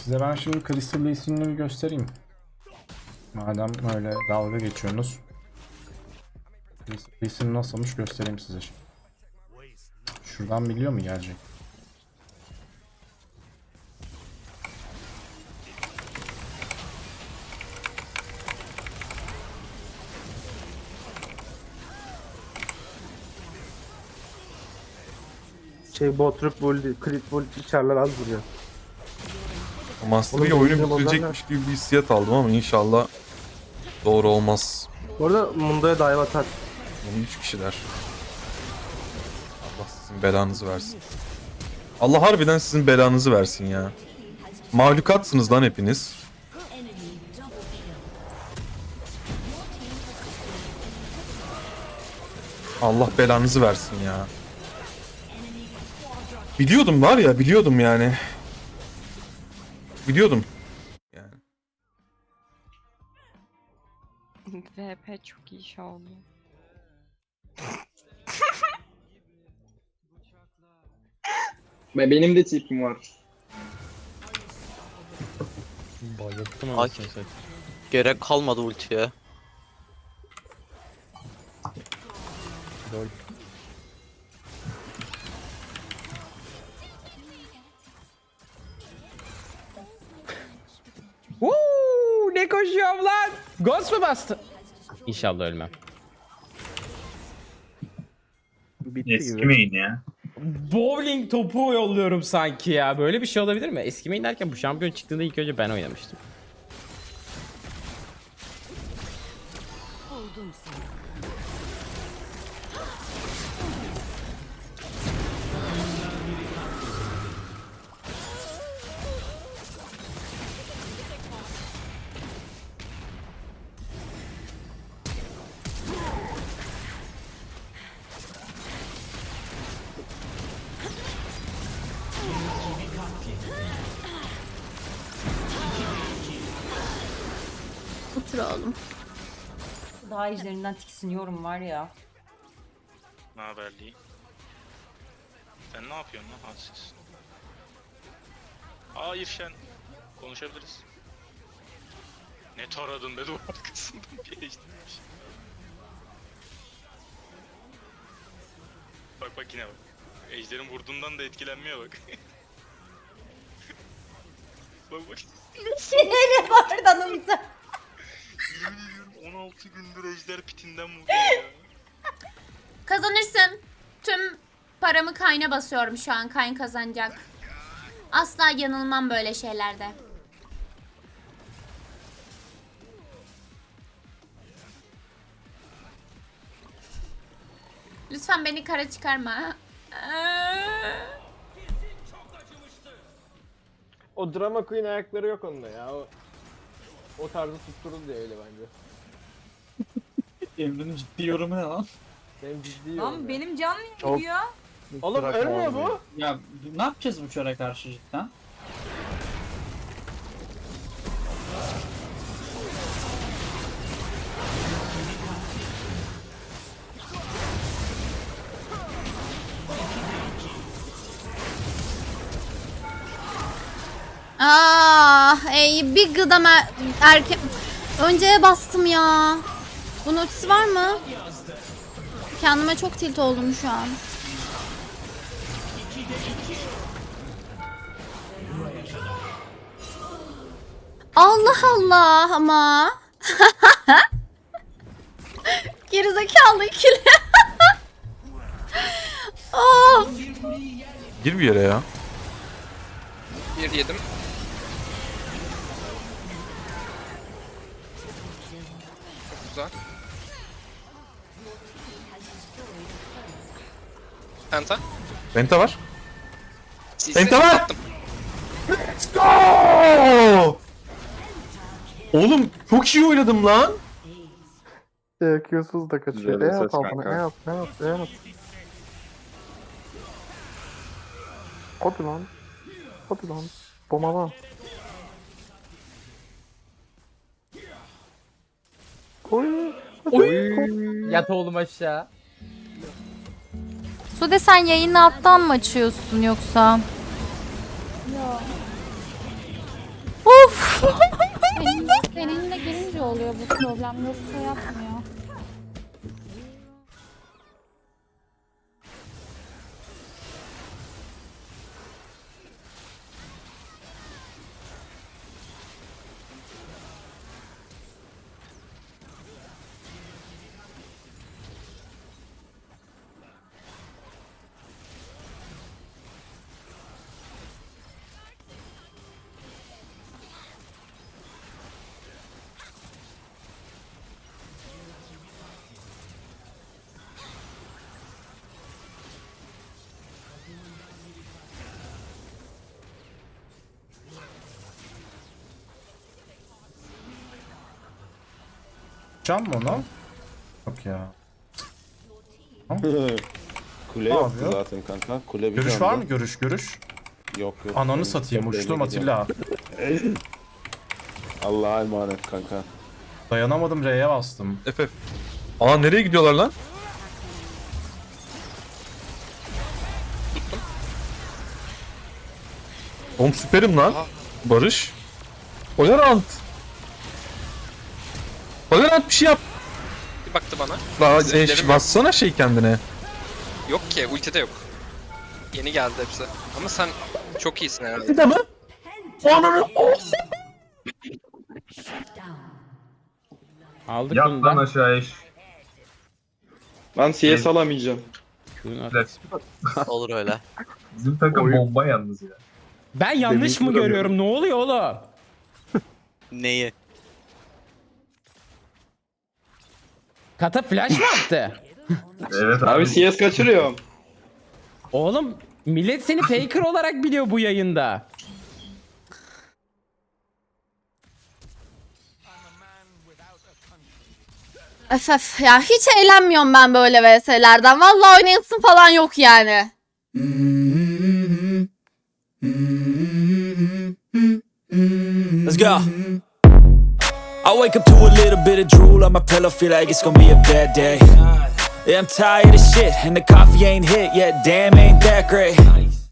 Size ben şimdi Crystal Lee'sini bir göstereyim. Madem öyle dalga geçiyorsunuz. Crystal Lee'sini nasılmış göstereyim size şimdi. Şuradan biliyor mu gelecek? Botruk Bully, Crit Bully içerler az vuruyor. Ama aslında bir Oğlum, oyunu benim bitirecekmiş gibi bir hissiyat aldım ama inşallah doğru olmaz. Bu arada Mundo'ya dive atar. Bunu 3 kişiler. Allah sizin belanızı versin. Allah harbiden sizin belanızı versin ya. Mahlukatsınız lan hepiniz. Allah belanızı versin ya. Biliyordum var ya, biliyordum yani. Biliyordum. Yani. VP çok iyi şey oldu. Benim de tipim var. Bayılttım anasını satayım. Gerek kalmadı ultiye. Lol. Ne koşuyorum lan? Ghost mu bastı? İnşallah ölmem. Bitti Eski gibi. main ya. Bowling topu yolluyorum sanki ya. Böyle bir şey olabilir mi? Eskimeyin derken bu şampiyon çıktığında ilk önce ben oynamıştım. Otur oğlum. Daha izlerinden tiksiniyorum var ya. Ne haberliği? Sen ne yapıyorsun lan hadsiz? Aa İrşen. Konuşabiliriz. Ne taradın be duvar arkasından bir eşitmiş. Bak bak yine bak. Ejder'in vurduğundan da etkilenmiyor bak. Bak bak. Siniri vardı anımda. Yemin ediyorum 16 gündür Ejder pitinden vuruyor ya. Kazanırsın. Tüm paramı Kayn'a basıyorum şu an. Kayn kazanacak. Asla yanılmam böyle şeylerde. Lütfen beni kara çıkarma. O drama queen ayakları yok onda ya. O tarzı tutturun diye öyle bence. Emre'nin ciddi yorumu ne lan? Benim ciddi yorum Lan ya. benim can niye Çok- gidiyor? Oğlum ölmüyor bu. Ya ne yapacağız bu çöre karşı cidden? Bir gıdam erken... Önceye bastım ya. Bunun ultisi var mı? Kendime çok tilt oldum şu an. Allah Allah ama. Gerizekalı ikili. Of. Gir bir yere ya. Bir yedim. Güzel. Penta. Penta var. CC Penta var. attım. Let's go! Oğlum çok iyi oynadım lan. Q'suz da kaçıyor. Güzel E at ses altına. kanka. E at. Hadi lan. Hadi lan. Bomala. Oy. Oy! Yat oğlum aşağı. Sude sen yayını alttan mı açıyorsun yoksa? Seninle girince oluyor bu problem. Yoksa yapmıyor. Can mı onu? Yok ya. Kule Ne yoktu yapıyor? zaten kanka. Kule bir Görüş canlı. var mı? Görüş. Yok yok. Ananı satayım. Kuleyle Uçtum gidiyor. Atilla. Allah'a emanet kanka. Dayanamadım, R'ye bastım. FF. Aa nereye gidiyorlar lan? Oğlum süperim lan. Barış. Valorant. Valorant bir şey yap. Bir baktı bana. La, Ziplerim yok. bassana şey kendine. Yok ki ulti de yok. Yeni geldi hepsi. Ama sen çok iyisin herhalde. Bir de mi? Aldık bunu da. aşağıya. Ben CS alamayacağım. Şunun arkası. Olur öyle. Bizim takım bomba yalnız ya. Ben yanlış mı görüyorum? Ne oluyor oğlum? Neyi? Kata flash mı attı? Evet Abi CS kaçırıyorum. Oğlum millet seni faker olarak biliyor bu yayında. Öf ya hiç eğlenmiyorum ben böyle VS'lerden. Vallahi oynayasın falan yok yani. Let's go. I wake up to a little bit of drool on my pillow, feel like it's gonna be a bad day. Yeah, I'm tired of shit, and the coffee ain't hit yet, damn ain't that great.